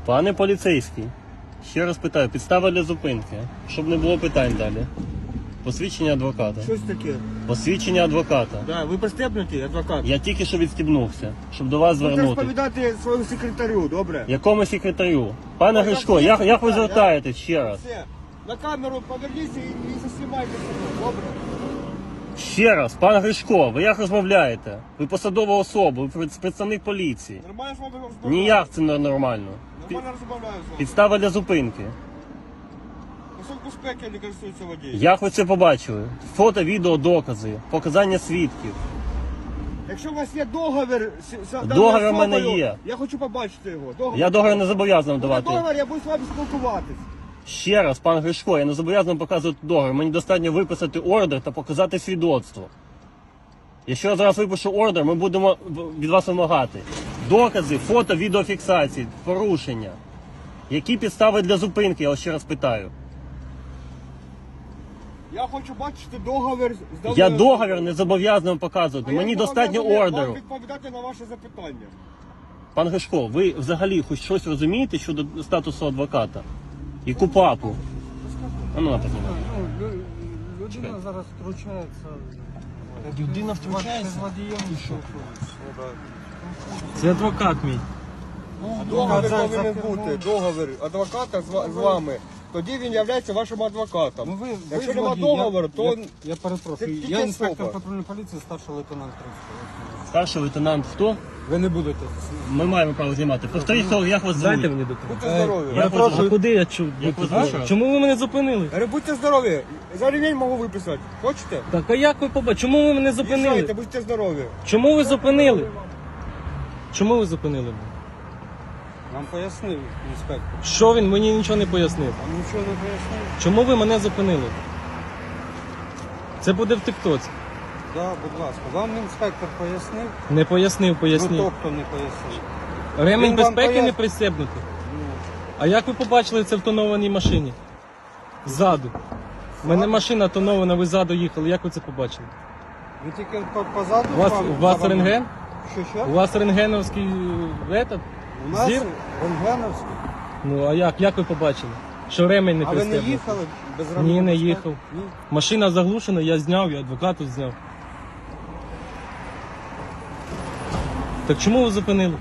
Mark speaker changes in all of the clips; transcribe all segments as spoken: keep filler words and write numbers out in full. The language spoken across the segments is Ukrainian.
Speaker 1: Пане поліцейський, ще раз питаю, підстава для зупинки, щоб не було питань далі. Посвідчення адвоката.
Speaker 2: Щось таке.
Speaker 1: Посвідчення адвоката.
Speaker 2: Да, ви пристебнуті, адвокат?
Speaker 1: Я тільки що відстібнувся, щоб до вас
Speaker 2: Будете
Speaker 1: звернути.
Speaker 2: розповідати своєму секретарю, добре?
Speaker 1: Якому секретарю? Пане Гришко, як, як ви звертаєтесь ще раз?
Speaker 2: Все. На камеру поверніться і, і заснімайте себе, добре?
Speaker 1: Ще раз, пане Гришко, ви як розмовляєте? Ви посадова особа, ви представник поліції.
Speaker 2: Нормально з вами розмовляю?
Speaker 1: Ніяк це не нормально. Пі-
Speaker 2: Нормально розмовляю з вами.
Speaker 1: Підстава для зупинки.
Speaker 2: Пасок безпеки не користується водієм.
Speaker 1: Як ви це побачили? Фото, відео, докази, показання свідків.
Speaker 2: Якщо у вас є договір з з даною
Speaker 1: Договір в мене
Speaker 2: особою,
Speaker 1: є.
Speaker 2: Я хочу побачити його. Договір.
Speaker 1: Я договір не зобов'язаний
Speaker 2: Буде
Speaker 1: давати.
Speaker 2: договір, я буду з вами спілкуватись.
Speaker 1: Ще раз, пан Гришко, я не зобов'язаний показувати договір. Мені достатньо виписати ордер та показати свідоцтво. Якщо я зараз випишу ордер, ми будемо від вас вимагати докази, фото, відеофіксації, порушення. Які підстави для зупинки, я вас ще раз питаю.
Speaker 2: Я хочу бачити договір з даною
Speaker 1: Я
Speaker 2: особою.
Speaker 1: договір не зобов'язаний вам показувати.
Speaker 2: А я
Speaker 1: Мені
Speaker 2: зобов'язаний
Speaker 1: достатньо
Speaker 2: вам
Speaker 1: ордеру.
Speaker 2: відповідати на ваше запитання.
Speaker 1: Пан Гришко, ви взагалі хоч щось розумієте щодо статусу адвоката? І КУПАПу? А ну, напевно.
Speaker 3: Ну, лю- людина зараз втручається.
Speaker 1: Людина
Speaker 3: З водієм що?
Speaker 1: Це адвокат мій.
Speaker 2: Договір
Speaker 3: за-
Speaker 2: повинен
Speaker 3: за
Speaker 2: бути,
Speaker 3: кермом.
Speaker 2: договір адвоката з, ва- з вами. Тоді він є вашим адвокатом.
Speaker 3: Ну, ви, ви
Speaker 2: Якщо
Speaker 3: ж
Speaker 2: нема
Speaker 3: водій,
Speaker 2: договору,
Speaker 3: я,
Speaker 2: то
Speaker 3: я, я перепрошую.
Speaker 2: Це тільки
Speaker 3: Я інспектор
Speaker 2: особа.
Speaker 3: патрульної поліції, старший лейтенант Кримського.
Speaker 1: Старший лейтенант хто?
Speaker 3: Ви не будете.
Speaker 1: Ми маємо право знімати. Повторіть, хто- як вас звуть?
Speaker 4: Дайте мені документ.
Speaker 2: будьте здорові.
Speaker 1: Я
Speaker 4: А куди я чув?
Speaker 1: Як ви
Speaker 4: А?
Speaker 1: звуть?
Speaker 4: Чому ви мене зупинили?
Speaker 2: Говорю, будьте здорові. За ремінь можу виписати. Хочете?
Speaker 4: Так, а як ви побачили? Чому ви мене зупинили?
Speaker 2: Їжджайте, будьте здорові.
Speaker 4: Чому ви зупинили? Чому ви зупинили мене?
Speaker 3: Нам пояснив інспектор.
Speaker 4: Що він мені нічого не пояснив?
Speaker 3: Вам нічого не пояснив?
Speaker 4: Чому ви мене зупинили? Це буде в тиктоці.
Speaker 3: Да, будь ласка. Вам інспектор пояснив?
Speaker 4: Не пояснив,
Speaker 3: Ну,
Speaker 4: пояснив.
Speaker 3: тобто не пояснив.
Speaker 4: Ремінь
Speaker 3: Він вам
Speaker 4: безпеки
Speaker 3: пояс-
Speaker 4: не пристебнутий.
Speaker 3: Ну,
Speaker 4: А як ви побачили це в тонованій машині? Ззаду. У мене машина тонована, ви ззаду їхали. Як ви це побачили?
Speaker 3: ви тільки по- позаду
Speaker 4: У вас,
Speaker 3: з вами-
Speaker 4: у вас
Speaker 3: за вами-
Speaker 4: рентген?
Speaker 3: Що, що?
Speaker 4: У вас рентгеновський е, этот?
Speaker 3: У нас
Speaker 4: зір?
Speaker 3: рентгеновський.
Speaker 4: Ну а як? Як ви побачили? Що ремень не
Speaker 3: А ви не
Speaker 4: пристебнутий?
Speaker 3: їхали без
Speaker 4: Ні,
Speaker 3: ремня
Speaker 4: не
Speaker 3: безпеки?
Speaker 4: їхав.
Speaker 3: Ні.
Speaker 4: Машина заглушена, я зняв, я адвокату зняв. Так чому ви зупинили?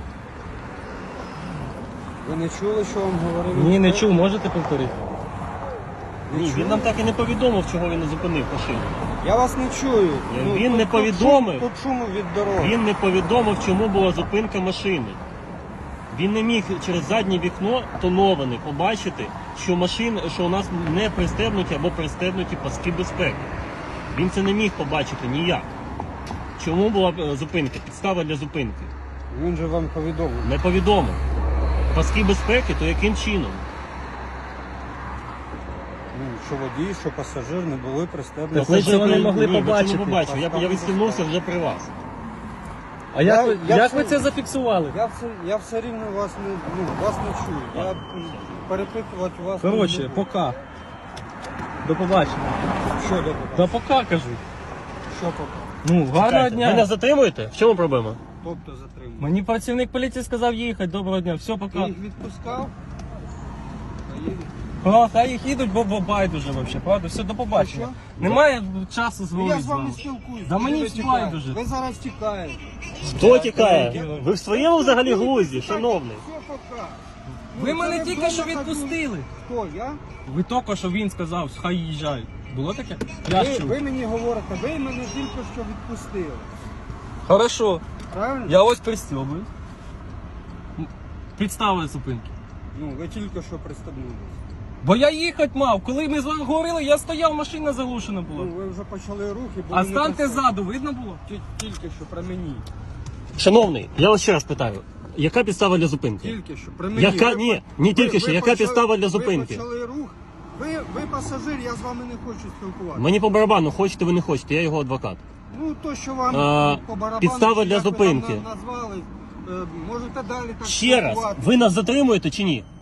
Speaker 3: Ви не чули, що вам говорив?
Speaker 4: Ні, не
Speaker 3: інспектор?
Speaker 4: чув, можете повторити?
Speaker 1: Ні, він нам так і не повідомив, чого він не зупинив машину.
Speaker 3: Я вас не чую.
Speaker 1: Я- він
Speaker 3: тут-
Speaker 1: не
Speaker 3: тут
Speaker 1: повідомив.
Speaker 3: шум- Тут шуму від дороги.
Speaker 1: Він не повідомив, чому була зупинка машини. Він не міг через заднє вікно тоноване побачити, що машин, що у нас не пристебнуті або пристебнуті паски безпеки. Він це не міг побачити ніяк. Чому була е, зупинка? Підстава для зупинки.
Speaker 3: Він же вам повідомив.
Speaker 1: Не повідомив. Паски безпеки, то яким чином?
Speaker 3: Ну, що водій, що пасажир не були пристебнуті.
Speaker 4: Так ви цього не могли
Speaker 1: Ні, ви
Speaker 4: побачити.
Speaker 1: цього не побачили. Я, я відстігнувся вже при вас.
Speaker 4: А як,
Speaker 3: Я-
Speaker 4: ви,
Speaker 3: я
Speaker 4: як
Speaker 3: це-
Speaker 4: ви це зафіксували?
Speaker 3: Я все, я все рівно вас не, ну, вас не чую. Я м, перепитувати вас не
Speaker 4: Коротше,
Speaker 3: буду.
Speaker 4: пока. До побачення.
Speaker 3: Що до
Speaker 4: Та пока кажу.
Speaker 3: Що поки?
Speaker 4: Ну, гарного
Speaker 1: Чекайте,
Speaker 4: дня.
Speaker 1: ви нас затримуєте? В чому проблема?
Speaker 3: Тобто затримав.
Speaker 4: Мені працівник поліції сказав їхати. Доброго дня. Все,
Speaker 3: Ти
Speaker 4: пока.
Speaker 3: їх відпускав? Та їдуть.
Speaker 4: А, хай їх їдуть, бо бо байдуже взагалі, правда? Все, до побачення.
Speaker 3: Що?
Speaker 4: Немає часу
Speaker 3: Ну,
Speaker 4: зговорити
Speaker 3: я з
Speaker 4: з
Speaker 3: вами
Speaker 4: вами.
Speaker 3: спілкуюсь.
Speaker 4: Да
Speaker 3: Куди
Speaker 4: мені
Speaker 3: ви
Speaker 4: все
Speaker 3: тікаєте?
Speaker 4: байдуже.
Speaker 3: Ви зараз тікаєте.
Speaker 1: Хто тікає? Ви в своєму взагалі глузді, шановний?
Speaker 3: Все пока.
Speaker 4: Ви
Speaker 3: Ну,
Speaker 4: мене
Speaker 3: зараз
Speaker 4: тільки що
Speaker 3: вдома
Speaker 4: відпустили.
Speaker 3: Хто, я?
Speaker 4: Ви тільки що він сказав, хай їжджають. Було таке? Я ж
Speaker 3: Ви,
Speaker 4: чув.
Speaker 3: ви мені говорите, ви мене тільки що відпустили.
Speaker 4: Хорошо.
Speaker 3: Правильно?
Speaker 4: Я ось пристьобую. Підставили зупинки.
Speaker 3: Ну, ви тільки що пристебнулися.
Speaker 4: Бо я їхати мав. Коли ми з вами говорили, я стояв, машина заглушена була.
Speaker 3: Ну, ви вже почали рухи, бо
Speaker 4: А
Speaker 3: ви не
Speaker 4: станьте
Speaker 3: пристеб-
Speaker 4: ззаду, видно було?
Speaker 3: Ті- Тільки що при мені.
Speaker 1: Шановний, я вас ще раз питаю. Яка підстава для зупинки?
Speaker 3: Тільки що при мені.
Speaker 1: Яка-
Speaker 3: Ви
Speaker 1: ні,
Speaker 3: по-
Speaker 1: ні,
Speaker 3: ви-
Speaker 1: тільки
Speaker 3: ви
Speaker 1: що. Яка
Speaker 3: почали-
Speaker 1: підстава для зупинки?
Speaker 3: Ви почали рух. Ви, ви пасажир, я з вами не хочу спілкуватися.
Speaker 1: Мені по барабану, хочете ви не хочете, я його адвокат.
Speaker 3: Ну, то, що вам
Speaker 1: А,
Speaker 3: по барабану,
Speaker 1: підстава
Speaker 3: чи
Speaker 1: для
Speaker 3: як ви
Speaker 1: зупинки.
Speaker 3: там на- назвали, е, можете далі так
Speaker 1: Ще раз,
Speaker 3: спілкуватися.
Speaker 1: ви нас затримуєте чи ні?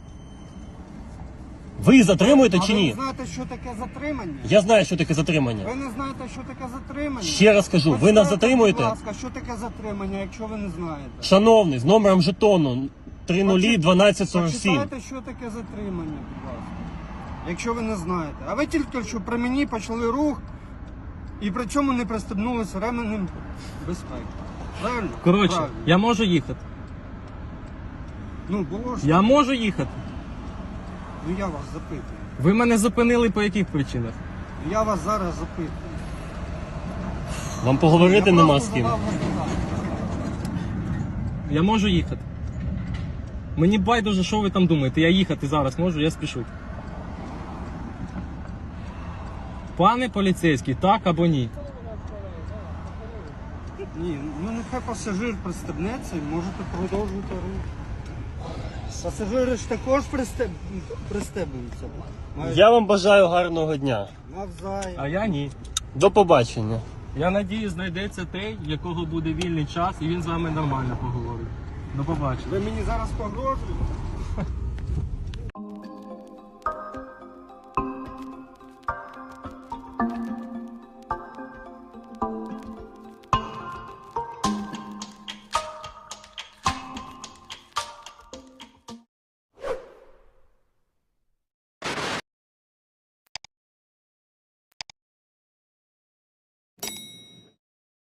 Speaker 1: Ви затримуєте
Speaker 3: А
Speaker 1: чи
Speaker 3: ви
Speaker 1: ні?
Speaker 3: не знаєте, що таке затримання?
Speaker 1: Я знаю, що таке затримання.
Speaker 3: Ви не знаєте, що таке затримання?
Speaker 1: Ще раз кажу, ви нас
Speaker 3: Почитайте,
Speaker 1: затримуєте?
Speaker 3: Будь ласка, що таке затримання, якщо ви не знаєте?
Speaker 1: Шановний, з номером жетону три нулі дванадцять сорок сім.
Speaker 3: Почитайте, що таке затримання, будь ласка. Якщо ви не знаєте. А ви тільки що при мені почали рух і при цьому не пристебнулися ременем безпеки. Правильно?
Speaker 4: Коротше,
Speaker 3: Правильно.
Speaker 4: я можу їхати.
Speaker 3: Ну, було ж.
Speaker 4: Я можу їхати.
Speaker 3: Ну я вас запитую.
Speaker 4: Ви мене зупинили по яких причинах?
Speaker 3: Я вас зараз запитую.
Speaker 1: Вам поговорити
Speaker 3: Я
Speaker 1: нема
Speaker 3: просто
Speaker 1: з ким.
Speaker 3: задав запитання.
Speaker 4: Я можу їхати. Мені байдуже, що ви там думаєте. Я їхати зараз можу, я спішу. Пане поліцейський, так або ні?
Speaker 3: Ні, ну нехай пасажир пристебнеться і можете продовжувати рух. Пасажири ж також пристеб... пристебуються. Мають
Speaker 1: Я вам бажаю гарного дня.
Speaker 3: навзаєм.
Speaker 4: А я ні.
Speaker 1: До побачення.
Speaker 4: Я надію, знайдеться той, в якого буде вільний час, і він з вами нормально поговорить. До побачення.
Speaker 3: Ви мені зараз погрожуєте?